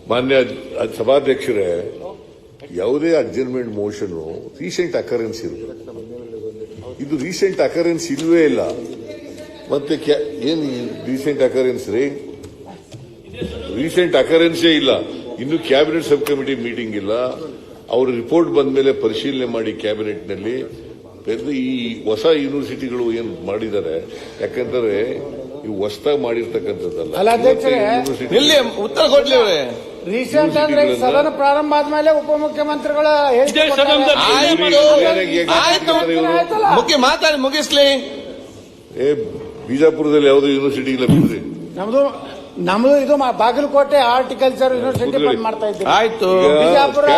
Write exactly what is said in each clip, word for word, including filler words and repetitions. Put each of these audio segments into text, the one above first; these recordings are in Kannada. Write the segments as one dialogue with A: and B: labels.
A: ಮಾನ್ಯ ಸಭಾಧ್ಯಕ್ಷರೇ, ಯಾವುದೇ ಅಡ್ಜರ್ಮೆಂಟ್ ಮೋಷನ್ ರೀಸೆಂಟ್ ಅಕರೆನ್ಸ್ ಇರಬೇಕು. ಇದು ರೀಸೆಂಟ್ ಅಕರೆನ್ಸ್ ಇಲ್ವೇ ಇಲ್ಲ. ಮತ್ತೆ ಏನು ರೀಸೆಂಟ್ ಅಕರೆನ್ಸ್ ರೀ? ರೀಸೆಂಟ್ ಅಕರೆನ್ಸೇ ಇಲ್ಲ. ಇನ್ನು ಕ್ಯಾಬಿನೆಟ್ ಸಬ್ ಕಮಿಟಿ ಮೀಟಿಂಗ್ ಇಲ್ಲ. ಅವ್ರ ರಿಪೋರ್ಟ್ ಬಂದ ಮೇಲೆ ಪರಿಶೀಲನೆ ಮಾಡಿ ಕ್ಯಾಬಿನೆಟ್ ನಲ್ಲಿ ಈ ಹೊಸ ಯೂನಿವರ್ಸಿಟಿಗಳು ಏನ್ ಮಾಡಿದ್ದಾರೆ, ಯಾಕಂದ್ರೆ ಇವು ಹೊಸದಾಗಿ ಮಾಡಿರ್ತಕ್ಕಂಥದ್ದಲ್ಲ.
B: ಉತ್ತರ ಕೊಡ್ಲಿ
C: ರೀಸೆಂಟ್ ಅಂದ್ರೆ ಸದನ ಪ್ರಾರಂಭ ಆದ್ಮೇಲೆ ಉಪಮುಖ್ಯಮಂತ್ರಿಗಳ
B: ಮುಖ್ಯ ಮಾತಾಡಿ ಮುಗಿಸ್ಲಿ.
A: ಏ ಬಿಜಾಪುರದಲ್ಲಿ ಯಾವುದೋ ಯೂನಿವರ್ಸಿಟಿ ಇಲ್ಲ ಬಿಡ್ರಿ.
C: ನಮ್ದು ನಮ್ದು ಇದು ಬಾಗಲಕೋಟೆ ಹಾರ್ಟಿಕಲ್ಚರ್ ಯೂನಿವರ್ಸಿಟಿ ಬಂದ್ ಮಾಡ್ತಾ ಇದ್ದೀವಿ.
B: ಆಯ್ತು,
C: ಬಿಜಾಪುರ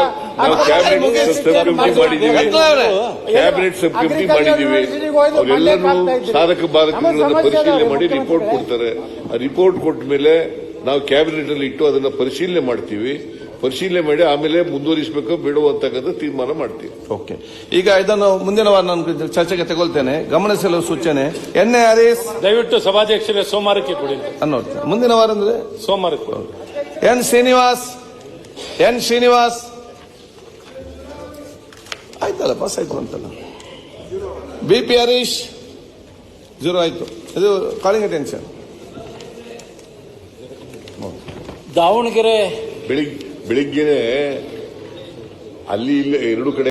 A: ಕ್ಯಾಬಿನೆಟ್ ಸಬ್ ಕಮಿಟಿ ಮಾಡಿದೀವಿ. ಅವರೆಲ್ಲರೂ ಸಾಧಕ ಬಾಧಕಗಳನ್ನು ಪರಿಶೀಲನೆ ಮಾಡಿ ರಿಪೋರ್ಟ್ ಕೊಡ್ತಾರೆ. ಆ ರಿಪೋರ್ಟ್ ಕೊಟ್ಟ ಮೇಲೆ ನಾವು ಕ್ಯಾಬಿನೆಟ್ ಅಲ್ಲಿ ಇಟ್ಟು ಅದನ್ನ ಪರಿಶೀಲನೆ ಮಾಡ್ತೀವಿ. ಪರಿಶೀಲನೆ ಮಾಡಿ ಆಮೇಲೆ ಮುಂದುವರಿಸಬೇಕು ಬೇಡವೋ ಅಂತಕ್ಕಂಥ ತೀರ್ಮಾನ ಮಾಡ್ತೀವಿ.
B: ಓಕೆ, ಈಗ ಇದನ್ನು ಮುಂದಿನ ವಾರ ನಾನು ಚರ್ಚೆಗೆ ತಗೊಳ್ತೇನೆ. ಗಮನಿಸಲು ಸೂಚನೆ. ಎನ್ ಎ ಹರೀಶ್
D: ದಯವಿಟ್ಟು ಸಭಾಧ್ಯಕ್ಷರೇ ಸೋಮವಾರಕ್ಕೆ ಕೊಡಿ
B: ಅನ್ನೋ ಮುಂದಿನ ವಾರ ಅಂದ್ರೆ
D: ಸೋಮವಾರಕ್ಕೆ ಕೊಡಿ.
B: ಎನ್ ಶ್ರೀನಿವಾಸ್ ಎನ್ ಶ್ರೀನಿವಾಸ್ ಆಯ್ತಲ್ಲ, ಪಾಸ್ ಆಯ್ತು ಅಂತಲ್ಲ. ಬಿ ಪಿ ಹರೀಶ್ ಜೀರೋ ಆಯ್ತು. ಇದು ಕಾಲಿಂಗ್ ಅಟೆನ್ಷನ್.
D: ದಾವಣಗೆರೆ
A: ಬೆಳಿಗ್ಗೆ ಬೆಳಿಗ್ಗೆನೆ ಅಲ್ಲಿ ಇಲ್ಲಿ ಎರಡು ಕಡೆ